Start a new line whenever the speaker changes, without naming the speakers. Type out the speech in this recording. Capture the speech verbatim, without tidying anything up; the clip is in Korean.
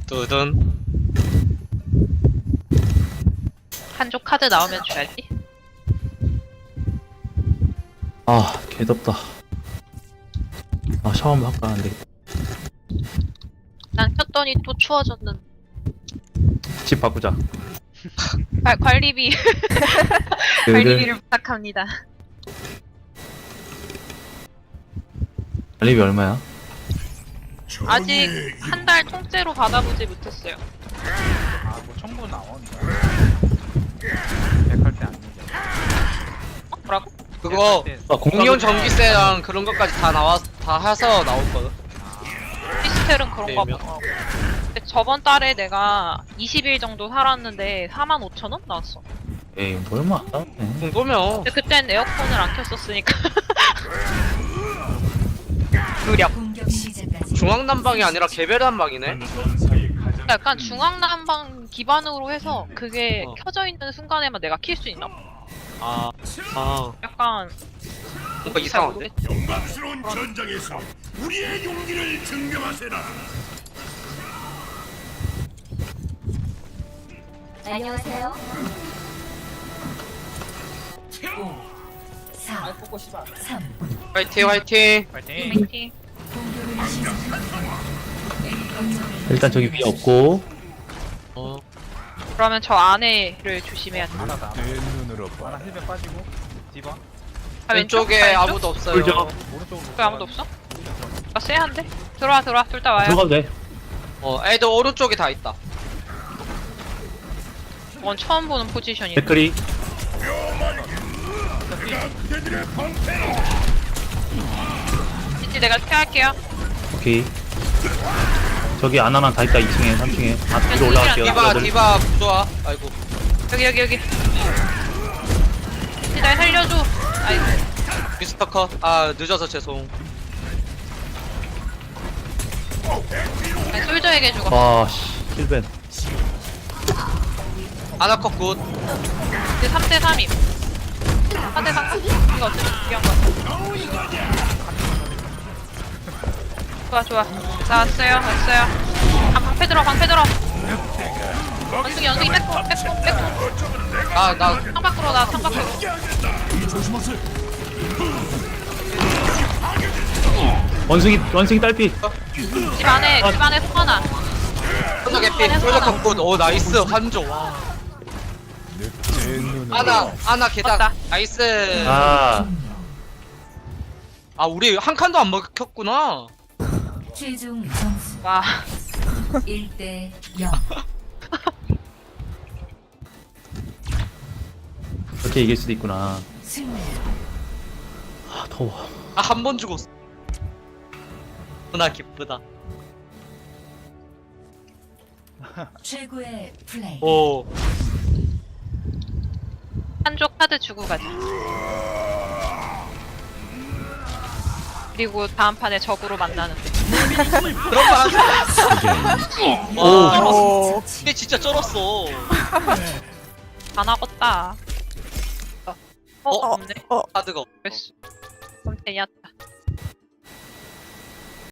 두둔.
한쪽 카드 나오면 줘야지.
아 개덥다. 아 샤워 한번 할까 안 되겠다.
난 켰더니 또 추워졌는.
집 바꾸자.
관, 관리비
그
관리비를 부탁합니다.
관리비 얼마야?
아직 한 달 통째로 받아보지 못했어요.
아뭐 청구 나온다. 백할 때 아니죠.
어? 뭐라고?
그거
아
공룡 전기세랑 그런 것까지 다 나와 다 해서 나올거든.
피스텔은 그런가
게임이요?
봐. 근데 저번 달에 내가 이십 일 정도 살았는데 사만 오천 원 나왔어.
에이 뭐 얼마 안 나오네.
그 정도면
근데 그땐 에어컨을 안 켰었으니까. 무력.
중앙난방이 아니라 개별 난방이네.
그러니까 약간 중앙난방 기반으로 해서 그게
어.
켜져 있는 순간에만 내가 킬 수 있나 봐.
아, 아,
약간
뭔가 이상한데?
영광스러운 전장에서 우리의 용기를 증명하세라.
안녕하세요. 오, 사, 삼,
화이팅, 화이팅.
파이팅.
파이팅.
공격을 시작합니다.
일단 저기 위에 없고.
어,
그러면 저 안에를 조심해야 돼.
하나다. 하나 힐백 빠지고. 디바.
아,
왼쪽에
왼쪽? 왼쪽?
아무도 없어요.
꿀죠.
오른쪽으로.
왜 아무도 없어? 나 쎄한데? 들어와 들어와 둘 다 와요.
들어가도 돼.
어, 애들 오른쪽에 다 있다.
이건 처음 보는 포지션이네.
댓글이
이제 내가 피할게요.
오케이. 저기 하나만 다 있다. 이 층에 삼 층에. 아 위로 올라갈게요.
디바,
여러분.
디바 좋아. 아이고.
여기 여기 여기. 이제 날 살려줘. 아이고.
미스터 컷. 아, 늦어서 죄송.
아니, 솔저에게 죽어.
와씨 힐벤.
아나컷 굿.
이제 삼 대 삼임. 사 대 삼. 이거 어차피 중요한 거 같아. 좋아 좋아. 나왔어요 왔어요. 아 방패 들어 방패 들어. 원숭이 원숭이 빼고 빼고 빼고.
아, 나,
창 밖으로 나 창 밖으로.
원숭이 원숭이 딸피.
집 안에 집 안에 속 하나.
솔저 개피. 솔저 컷 굿. 오, 나이스. 한조. 와. 아나, 아나 계단.
맞다.
나이스.
아
아, 우리 한 칸도 안 먹혔구나.
최종 점수
와.
일 대 영.
이렇게 이길 수도 있구나.
승리.
아 더워.
아, 한 번 죽었어. 나 기쁘다.
최고의 플레이.
오.
한쪽 카드 주고 가자. 그리고 다음 판에 적으로 만나는데.
그런 말 하지 마. 와, 이게 진짜 쩔었어.
다 나갔다. 어, 어, 없네.
카드가 없어.
됐어. 그럼 되냐?